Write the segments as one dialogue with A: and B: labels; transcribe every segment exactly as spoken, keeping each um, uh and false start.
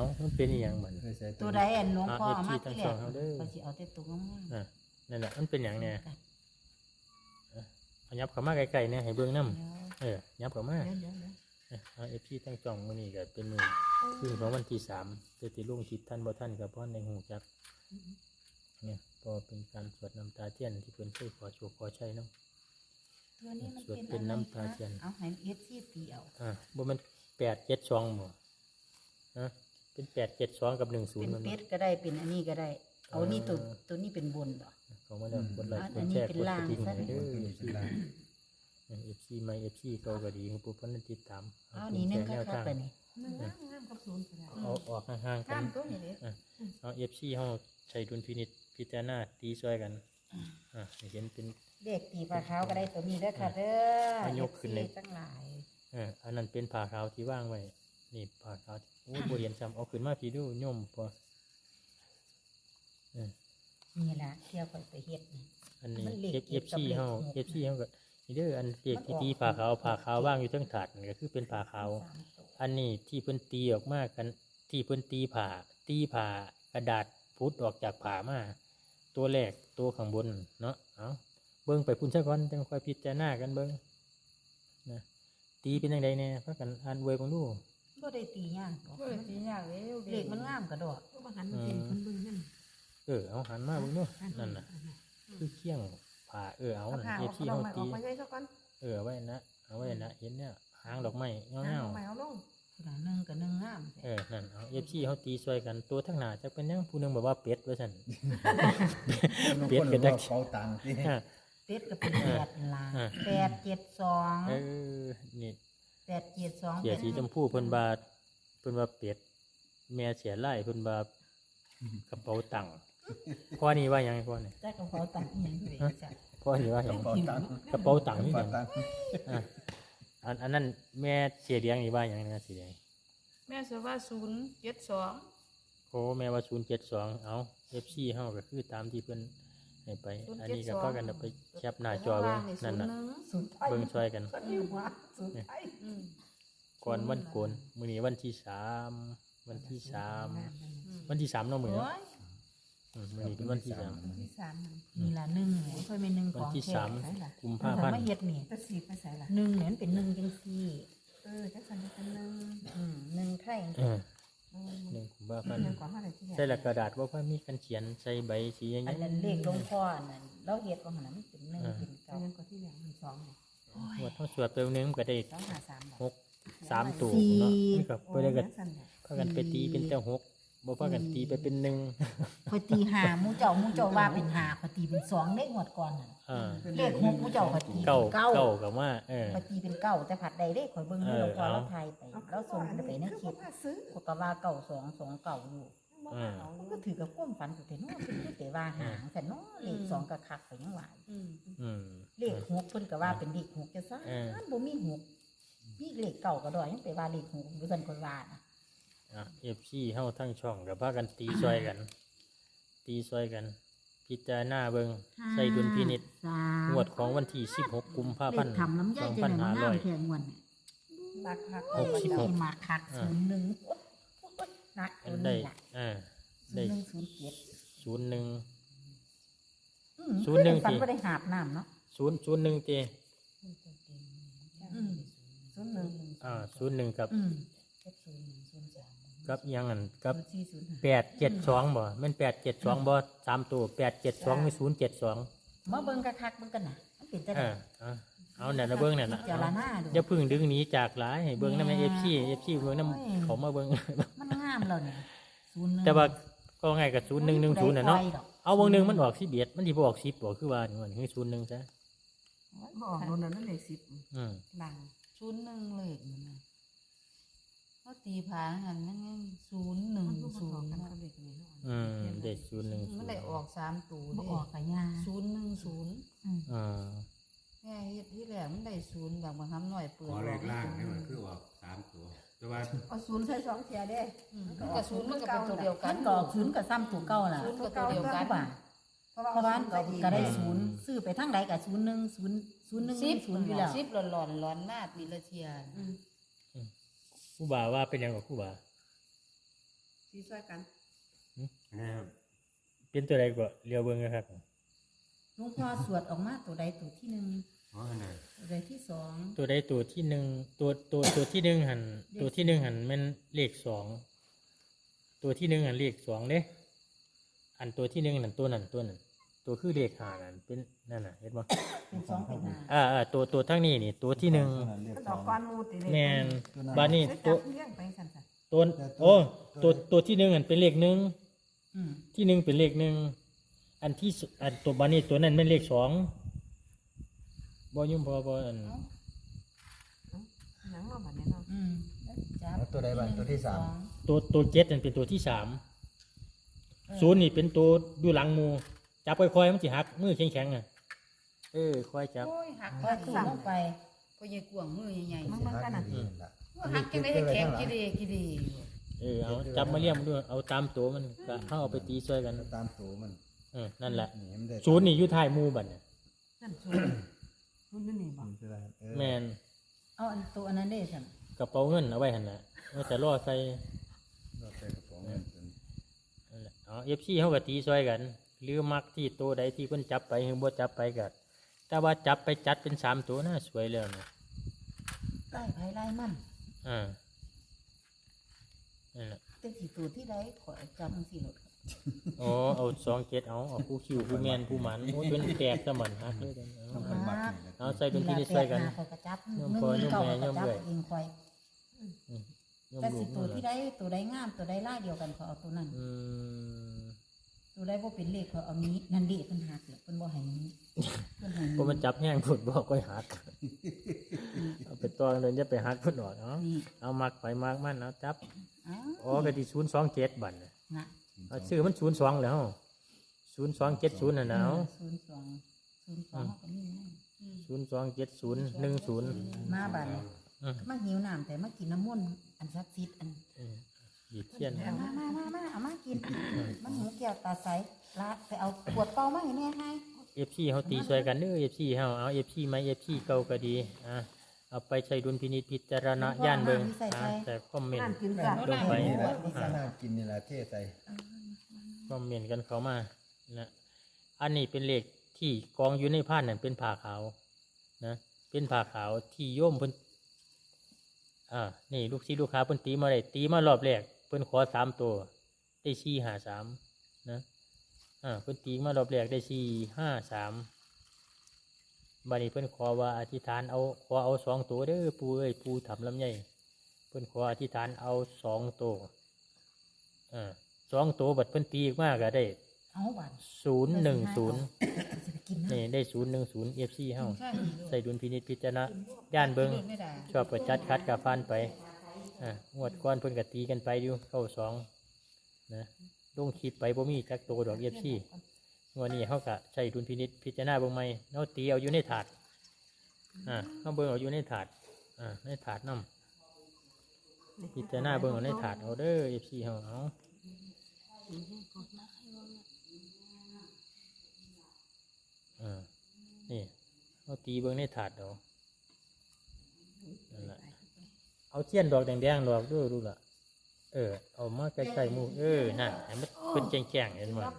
A: มันเป็นอีหยังบัด
B: ตัวใดอันหลวงพ่อ
A: เอา
B: มา
A: เอฟซี
B: ที่แร
A: ทั้งสอก งเอาเด้อ
B: ก็สิเอาแต่ตัวงาม
A: อ่ะนั่นแหละมันเป็นหยัง
B: ๆ
A: เนี่ย
B: กัน
A: เอายับเข้ามาไกลๆเนี่ยให้เบิ่งนำ
B: เดี๋ยว
A: เออยับเข้ามา
B: เดี๋ยวเดี๋ยวเดี๋ยว
A: เออเอา เอฟ ซี ทั้งสองมื้อนี้ก็เป็นมื้อคืนของวันที่สามแต่ที่ลงคลิปท่านบ่ทันก็บ่ทันได้ฮู้จักเนี่ยก็เป็นการสวดน้ำตาเทียนที่เพิ่นเคยขอโชคขอชัยเนาะ
B: ตัวนี้มัน
A: สวด
B: เป็น
A: เป็น
B: อะไร
A: น้ำตา
B: คะ
A: เทียน
B: เอาให้เอฟซีตีเอา
A: อ่าบ่แม่นแปดเจ็ดสองบ่ฮะเป็นแปดเจ็ดสองกับหนึ่งศูน
B: เป็
A: ย์
B: น
A: มัน
B: เป็ดก็ได้เป็นอันนี้ก็ได้ เอานี่ตัว
A: เออ
B: ตัวนี้เป็นบนบ่
A: เขามาแล้วกดไลค์ก
B: อั
A: ด
B: นนี้
A: แชร์
B: เป็
A: ก
B: น
A: ดก
B: ล่าง
A: ระดิ่ง
B: ซะ
A: ให้เด้อ
C: เป็นเป็นลาง
A: เอฟซีใหม่ เอฟ ซี เก่าก็ดีให้ผู้เพิ่นติดตาม
B: เอานี่นึง
A: แน
B: คั
A: ว
B: ก
A: ทาง
B: ๆไปนี่
D: หนึ่งงามงามกับศูนย์ก็ได้
A: เอาออกห่างๆกั
D: งาน มตัวนี้เด้
A: เอา เอฟ ซี เฮาใช้ดุลพินิจพิจารณาตีช่วยกันอ่าให้เห็นเป็น
B: เลขตีปลาขาวก็ได้ตัวนี้เด้อค่ะเด้อ
A: เอายกขึ้นเลย
B: อฟซีทั้งหลาย
A: เอออันนั้นเป็นผ้าขาวที่วางไว้นี่ผ้าขาวที่โอ้บ่เห็นซ้ำเอาขึ้นมาพี่ดูโยมพอเออ
B: นี่ล่ะเที่ยวไปไปเฮ็ดนี่
A: อันนี้
B: มันเลข
A: เอฟ
B: เจ็ดกับ
A: ซี
B: เลข
A: เฮา
B: หก
A: เอฟซีเฮาก็นี่เด้ออันเลขที่
B: มันออก
A: ตีผ้าขาวผ้าขาวว่างอยู่เทั้งถาดนั่นก็คือเป็นผ้าขาว
B: สามตัว
A: อันนี้ที่เพิ่นตีออกมากันที่เพิ่นตีผ่าตีผ่ากระดาษพุดออกจากผ่ามาตัวแรกตัวข้างบนเนาะเอาเบิ่งไปพุ่นซะก่อนจังค่อยพิจารณากันเบิ่งนะตีเป็นจังไดแน่พากันอ่านเวยเบิ่งดู
B: บ่ได้ตียากดอก
D: ก็เลยตียากเลย
B: เลขมันงามกระดอก
D: ก็มาหันมาเป็นคนเบิ่งนั่น
A: เออเอาหันมาเบิ่งดูนั่นน่ะคือเคียงผ่าเออเอา
D: เอา
A: น่ะ
D: ผ้า
A: เอ
D: ออก
A: ฟซี
D: เอา
A: เฮา
D: ไม้อ
A: ตี
D: อกมาใช้ซะก่อน
A: เออเอาไว้นะเอาไว้นะเห็นเนี่ยหางดอกไม้เงา
D: เอา
A: ๆ
D: ไม้เอาลง
B: ผู้ใดหนึ่งกับหนึ่งงาม
A: เออ นั่น เอาเอฟซีเขาตีช่วยกัน ตัวทั้งหนาจะเป็นหยังผู้หนึงบอกว่าเป็ดว่าซั่น เปลี่ยนเป็นได้
C: เป๋าตังค์ที่
A: อ่า
B: เป็ดก็เป็นแปดลา
A: อ่า
B: แปดเจ็ดสอง
A: เออ นี่
B: แปดเจ็ดสอง
A: เสียสีชมพูเพิ่นบาเพิ่นว่าเป็ด แม่เสียไล่เพิ่นบากระเป๋าตังค์พ่อนี่ว่าหยังพ่อนี่
B: แต่กระเป๋าตังค์อีหยังเลยจ้ะ
A: พ่อนี่ว่าหยัง
C: เป๋าตังค์
A: กระเป๋าตังค์นี่ห
C: เป๋า
A: ยัง
C: ตังค์
A: อ่ะอันอันนั้นแม่เสียเลี้ยงนี่ว่าหยังนะสีแดง
D: แม่เสว่าศูนย์เจ็ดสอง
A: โอ้แม่ว่าศูนย์เจ็ดสองเอา เอฟ ซี เฮาก็คือตามที่เพิ่นให้ไป อันนี้ก็พากันเอาไปแคปหน้าจอเบิ่งนั่นน่ะ
B: ศูนย์ไทย
A: เบิ่งช่วยกัน
B: ก็อยู่ว่าศูนย์ไทย
D: อืม
A: ก่อนวันโกนมื้อนี้วันที่สามวันที่สามวันที่สามเนาะมื้อ
B: โอ้
A: เนาะ
B: ย
A: อืมมื้อนี้เป็นวันที่สาม
D: ที่สาม
B: นี่ล่ะหนึ่งเนี่ยค่อยเป็นหนึ่งข
A: วัน
B: อง
A: ที่
B: แท้
A: สาม
B: ใช่ล่ะ
A: กุม
B: ถ้า
A: ภาพันธ์
B: ไม่เฮ็ดนี่
D: จะสีไปใส่ละ
B: หนึ่งเนี่ยมันเป็นหนึ่งจังซี่
D: เออจักสันจักสันหนึ่ง
B: อืมหนึ่งไทย
A: เออ
D: เออ
A: หนึ่งกุมภาพันธ์
D: เงินก่อนเท่าไหร่ที่
A: ใส่ละกระดาษบ่ค่อยมีกันเขียนใส่ใบสีอย่าง
B: อัน
A: เงี้ย
B: นั้นเลขหลวงพ่อนั่นเราเฮ็ดว่าหั่นน่ะมันเป็นหนึ่งเป็นเก้า
D: เงินก่อนที่เหลือมันสองเนี่ย
A: ว่าต้องสวดไปวันนึงก็ได้
B: สองห้าสามบาท
A: หกสามตัว
B: สี่
A: เนาะมันก็
D: โอ้
A: บ่ได้ก็
D: จักสันเนี่ย
A: พากันไปตีเป็นแต่หกบ่พากันตีไปเป็นหนึ่ง
B: คอยตีหาหมูเจ้าหมูเจ้าว่าเป็นหาคอยตีเป็นสองเลขหมดก่อนน่ะ
A: อ่า
B: เลขหกหมูเจ้าคอยตี
A: เก้า
B: เป็นเก้า
A: เก้ากับว่าเออ
B: คอยตีเป็นเก้าแต่ผัดใดเลขคอยเบิ่งให้
A: เออ
B: เราพอ
A: เอา
B: เราทายไปเราส่งกันไปในคลิป
D: มาซื้อ
B: ก็ก็ว่าเก้าสองสองเก้าอยู่
A: อืม
B: มันก็ถือกับความฝันสุดแต่เนาะเป็นคือแต่ว่าหางแต่เนาะเลขสองกับคักไปยังหวาย
D: อืม
A: อืม
B: เลขหกเพิ่นก็ว่าเป็นเลขหกจะซ่า
A: เออ
B: บ่มีหกมีเลขเก้าก็ดอยยังไปว่าเลขหกอยู่ซั่นคนว่านะ
A: อ่ะ เอฟ ซี เฮาทั้งช่องก็พากันตีช่วยกัน ตีช่วยกัน พิจารณาเบิ่งใส่ดุลพินิจ
B: สาม
A: งวดของวันที่สิบหกกุมภา
B: เล
A: พัน
B: ข
A: ธ์
B: ทำน้ำ
A: ส
B: ยา
A: อย ง
B: จะ
A: พัน
B: ได้
A: ห้า
B: มา
A: ร้
B: งา
A: อ
B: ม
A: ย
B: แค่งวดเนี่ย
D: รักหัก
A: หกสิบหก
B: มาคักศูนย์หนึ่งโอ๊ยโอ๊ยหนัก
A: อั
B: ตั
A: น
B: ว
A: ได้
B: นี้ล่ะ
A: อ่า
B: ศู
A: ได้
B: นย์หนึ่งศูนย์เจ็ด
A: ศูนย์หนึ่ง
B: อืม
A: ศูนย์หนึ่ง
B: ฝัน
A: ที่
B: ว่าได้หาบน้ำเนาะ
A: ศูนย์ศูนย์หนึ่งเจ
B: อืม
D: ศูนย์หนึ่ง
A: อ่าศูนย์หนึ่งกับ
B: อืม
A: กับอิหยังอันกับ
B: ศูนย์สี่ศูนย์ห้า
A: แปดเจ็ดสองบ่แม่นแปดเจ็ดสองบ่สามตัวแปดเจ็ดสองมีศูนย์เจ็ดสอง
B: มาเบิ่งคักๆเบิ่งกันน่ะมันเป็นจัง
A: เอ
B: ได๋
A: อเอาเอาเนี่ยนะเบิ้งเนี่ยนะ
B: เจารณาดู
A: อย่าเพึ่งดึงหนีจากหลายให้เบิ้งนำเอฟซีเอฟซีเบิ้งนำเขามาเบิ้ง
B: มันงามแล้วเนี่ยศูนย์หนึ่ง
A: แต่ว่าก็ง่ายกับศูนย์หนึ่งหนึ่งศูนย์น่ะเนาะ
B: บ่ได้ปล่อยดอก
A: เอาวงหนึ่งมันออกสิบเอ็ดมันที่บ่ออกสิบบ่คือว่านี่มันคือศูนย์หนึ่งซะ
D: บอกโดนนั่นเลขสิบ
A: อืม
D: หลัง
B: ศูนย์หนึ่งเลขนั่นน่ะเขาตีผาหันมันยังศูนย์หนึ่ง
D: มันก็
B: ศู
D: บอก
B: นย์
D: กัน
B: เนาะ
D: กับเลขนี้
A: อืมเด็ดศูนย์หนึ่งศู
D: มัน
A: นย์
D: ได้ออกสามตัว
B: บ่
D: เด้
B: ออกกะยา
D: ศูนย์หนึ่งศูนย์
B: อืม
A: อ่า
D: แม่เฮ็ดที่แรกมันได้ศูนย์แบบมาทำหน่อยเปิด
C: ขอเลขล่างนี่มันคือออกสามตัว แต่ว่า
D: เอาศูนย์ใส่สองเทียเด้
B: มัน
D: มันก็ศูนย์มันก็เป็นตัวเดียวกั
B: มัน นก็ออกศูนย์กับซ้ำตัวเก่าล่ะ
D: ศูนย์ก็ตัวเดียวกัน
B: บ่า
D: เพราะ
B: เพราะว่า
D: ว่า
B: มันก็ก็ได้ศูนย์ซื้อไปทางใดก็ศูนย์หนึ่งศูนย์ศูนย์หนึ่ง
D: สิบ
B: ศูนย์อยู่แล้ว
D: สิบหลอนหลอนหลอนมาปีละเทีย
A: ครูบาว่าเป็นหยังกับครูบา
D: สีซอยกัน
C: นะครับ
A: เป็นตัวใดก็เรียวเบิ่งนะครับ
B: หลวงพ่อสวดออกมาตัวใดตัวที่หนึ่ง
C: อ๋ออันไหน
B: ตัวใดที่สอง
A: ตัวใดตัวที่หนึ่งตัวตัวตัวที่หนึ่งหันตัวที่หนึ่งหันแมันเลขสองตัวที่หนึ่งหันเลขสองเด้อันตัวที่หนึ่งนั่นตัวนั่นตัวนั่นตัวคือเลขห้านั่นเป็นนั่นน่ะเห็นบ่
B: เป็นสองเป็นห้า
A: อ่าอ่าตัวตัวทั้งนี้นี่ตัวที่หนึ่ง
D: ก็ดอกก้อนมูติเลย
A: แมนบานี่
D: ตั
A: ตัว ว
D: เลี้ยงไปสั่น
A: ตัวโอ้ตัวตัวที่หนึ่งอันเป็นเลขหนึ่ง
B: อืม
A: ที่หนึ่งเป็นเลขหนึ่งอันที่สอันตัวบานี่ตัวนั้นเป็นเลขสองบ่ยุ่งพอบ่อัน
D: ๆหนังมาบัดนี้เนาะ
B: อืมแล้วจับ
E: แล้วตัวใดบ้างตัวที่สาม
B: อง
A: ตัวตัวเจ็ดนั่นเป็นตัวที่สามศูนย์นี่เป็นตัวอยู่หลังหมูจับค่อยๆมันสิหักมือแข็งๆอ่ะเออค่อยจับ
D: โอ้ยหัก
B: พอถูลงไปก็ยายกวางมือใหญ่
D: มัน
B: ๆ
D: มันกันน่ะ
E: นี่ล่ะ
D: หักจังได๋ให้แข็งกี่ดีกี่ดี
A: เออเอาจับมาเลี่ยมด้วยเอาตามตัวมันก็เข้าเอาไปตีช่วยกัน
E: ตามตัวมัน
A: เออนั่นแหละ
E: นี่มันได้
A: ศูนย์นี่อยู่ท้ายหมูบัดเนี่ย
D: นั่นศูนย์ศูนย์นี่นี่บ่
E: มันคืออะไรเออ
A: แมน
B: เอาอันตัวอันนั้นได้สั่น
A: กระเป๋าเงินเอาไว้หั่นน่ะว่าจะล่อใส่
E: เราใส่กระป๋องเงินเป็น
A: นั่นแหละเอา เอฟ ซี เฮาก็ตีช่วยกัน หรือมักที่ตัวใดที่เพิ่นจับไปหรือบ่จับไปก็แต่ว่าจับไปจัดเป็นสามตัวน่าสวยแล้วนะ
B: ไล่ไผไล่มัน
A: อ่านั่นแหละ
B: แต่สิตัวที่ใดขอจำจังซี่โลดครับ
A: อ๋อเอาสองเจ็ดเอาเอาผู้คิวผู้แมนผู้หมันโอ้ยเป็นแปดซะมันฮักเลยกันเอา
E: ต้องเป็นมักนี่แหละ
A: เอาใส่เป็นที่นี่ช่วยกัน
B: เวลาแปดหาข้อยก็จับ
A: โยม
B: หนึ่ง
A: พ่อ
B: หนึ่งเก้า
A: โยมแม่
B: ข้อยก็จับ
A: โยมเอื้อย
B: เองคอย
A: โยม
B: แต่
A: ลู
B: สิ
A: ก
B: ตัว
A: นั่น
B: ที่
A: แหละ
B: ใดตัวใดงามตัวใดล่ายเดียวกันเขาเอาตัวนั้น
A: อืม
B: ตัวใดบ่เป็นเลขเขาเอานี้นั่นเด้เพิ่นหักแหละเพิ่นบ่ให้นี้เพิ่นให้
A: เพราะมันจับแห้งพุ่นบอกก็หักเอาไปตองเลยจะไปหักพุ่นออกเนาะ
B: นี่
A: เอามักไปมักมันเอาจับ
B: อ้าว
A: อ๋อกะที่ศูนย์สองเจ็ดบัตร
B: นะ
A: เอาชื่อมันศูนย์สองแล้วศูนย์สองเจ็ดศูนย์น่ะนะเอา
B: ศูนย์สองศูนย์สองก็มีนะ
A: ศูนย์สองเจ็ดศูนย์หนึ่งศูนย์
B: มาบัดนี้
A: อืม
B: มาหิวน้ำแต่มากินน้ำมนต์อันศักดิ์สิทธิ์อัน
A: หยีเทียน
B: เอามามามามาเอามากิน มันหูแก้วตาใสละไปเอาขวดเปล่ามาให้แม่ให้
A: เอฟซีเขาตีช่วยกันเด้อเอฟซีเฮาเอาเอฟซีไหมเอฟซีเก่าก็ดีอ่ะเอาไปใช้ดุลพินิจพิจารณาย่านเบิ่งอ่ะแต่คอมเมน
D: นั่น
A: ต์
D: กินกัน
A: ลงไป
E: นี่แหละน่ากินนี่แหละเทใส่
A: คอมเมนต์กันเขามานะอันนี้เป็นเลขที่กองอยู่ในผ้านั่นเป็นผ้าขาวนะเป็นผ้าขาวที่โยมเพิ่นอ่านี่ลูกศิษย์ลูกค้าเพิ่นตีมาได้ตีมารอบแรกเพิ่นขอสามตัวได้สี่ห้าสามนะอ่าเพิ่นตีมารอบแรกได้สี่ห้าสามบัดนี้เพิ่นขอว่าอธิษฐานเอาขอเอาสองตัวเด้อปู่เอ้ยปู่ทำลำไยเพิ่นขออธิษฐานเอาสองตัวอ่าสองตัวบัดเพิ่นตีมากก็ได้
B: เอาบัด
A: ศูนย์หนึ่งศูนย์
B: สิไปกินนะ
A: นี่ได้ศูนย์หนึ่งศูนย์เอฟซีเฮา
B: ใช่
A: ใส่ดุลพินิจพิจารณาย่านเบิง
B: ไม่ได้
A: ชอบประจัดคัดกาฟันไปอ่างวดก้อนเพิ่นกตีกันไปอยู่เข้าสองนะลงคลิปไปบ่มีจักโตดอกเอฟซีงวดนี้เฮากะใช้ดุลพินิจพิจารณาเบิ่งใหม่เนาตีเอาอยู่ในถาดอ่าเฮาเบิ่งเอาอยู่ในถาดอ่าในถาดนํพิจารณาเบิ่งเอาในถาดเอาเด้อเอฟซีเฮาเอาอ่านี่เอาตีเบิ่งในถาดเอานั่นแหละเอาเทียนดอกแดงๆดอกด้วยดูล่ะเออเอามาใกล้ๆหมูเออน่ะให้มันเป็นแจ้งๆเห็นบ่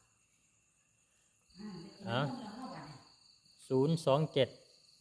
A: อ่ะศูนย์สองเจ็ด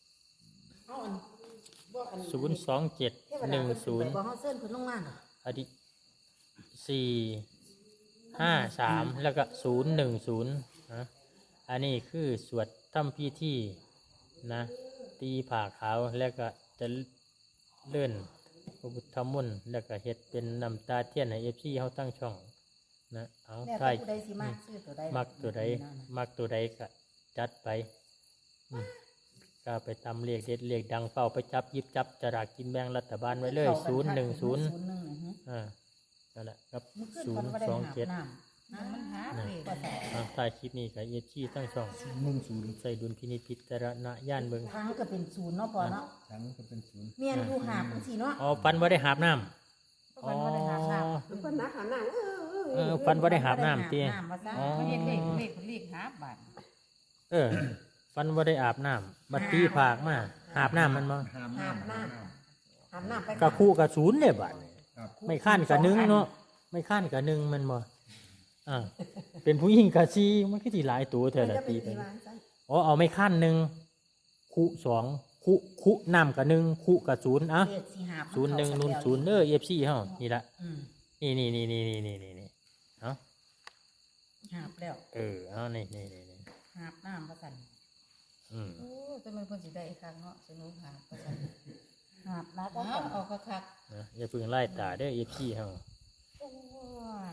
A: ศูนย์สองเจ็ดหนึ่งศูนย์
B: บ่เฮาเซิ้นเพิ่นลงมาน่ะ
A: อดีสี่ห้าสามแล้วก็ศูนย์หนึ่งศูนย์นะอันนี้คือสวดทำพิธีนะตีผ่าขาวแล้วก็จะเลื่อนพระพุทธมนต์แล้วก็เฮ็ดเป็นน้ำตาเทียนให้เอฟซีเขาตั้งช่องนะเอา
B: แล้ว
A: ใช่
B: แต่ผู้ใดสิมาซื้อตัวใด
A: มักตัวใดมักตัวใดก็จัดไปอืมก็ไปตำเรียกเด็ดเรียกดังเฝ้าไปจับหยิบจับจรากกินแบ่งรัฐบาลไว้เลยศูนย์หนึ่งศูนย์
B: ศูนย์หนึ่งนะฮะ
A: อ่านั่นแหละครับ
B: มันขึ้น
A: ศู
B: มัน น
A: ย์
B: บ่ได้
A: สอง
B: หาบ
A: เจ็ด
B: น้ำนะมันหา
A: นะ
B: เลขว่าแต่
A: อ่าถ่ายคลิปนี้กับเอชีทั้งช่อง
E: หนึ่งศูนย์
A: ใส่ดุลพินิจพิจารณาย่านเบิง
B: ทางก็เป็นศูนย์เนาะพอเนาะ
E: ทั้งก็เป็นศูนย์
B: เมียนอยู่หาบจังซี่เนาะ
A: อ๋อฟันว่าได้หาบน้ำ
B: มันบ่ได้หาบน้ำ
D: ทุกคนนักหาหนังเออเออ
A: เออฟันว่าได้หาบน้ำตี
B: น้ำว่าซะ
A: อ๋อ
D: เขาเรียกเลขเลขเลขหาบาท
A: เออฟันว่าได้อาบน้ำบัดตีผากมาหาบน้ำมันมา
E: ห้าม
B: หาบ
E: น้ำ
B: น้ำหาบน้ำไป
A: กะคู่กับศูนย์เนี่ยบัด
E: ครับ
A: ไม่ขั้นกับหนึ่งเนาะไม่ขั้นกับหนึ่งมันบ่อ่าเป็นผู้หญิงกับซีมันก็สิหลายตัวเท่า
D: มัน
A: ละ
D: จะเป็
A: ตี
D: น
A: ไป
D: ตีวางซะ
A: อ๋อเอาไม่ขั้นหนึ่งคุสองคุคุนำกับหนึ่งคุกับศูนย์อ่ะ
B: เลขสี่หาบ
A: ศูนย์หนึ่งนู่นศูนย์เด้อเอฟซีเฮานี่ละ
B: อืม
A: นี่นี่นี่นี่นี่นี่นี่นี่เอา
B: หาบแล้ว
A: เออเอานี่นี่นี่นี่
B: หาบน้ำประสัน
A: อืม
D: โอ้แต่มันเพิ่นสิได้อีกครั้งเนาะสนุกหาประจัน
B: หาบนะก็
D: เอาเอาคัก
A: นะอย่าเพิ่งไล่ตาเด้อเอฟซีเฮา
D: ๆโอ้ย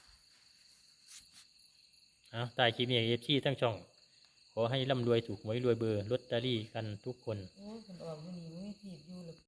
A: เอาตายคลิปนี้เอฟซีทั้งช่อง ขอให้ร่ำรวยถูกหวยรวยเบอร์ลอตเตอรี่กันทุกคน
D: โอ้ยเพิ่นออกอยู่นี่บ่มีทีบอยู่เลย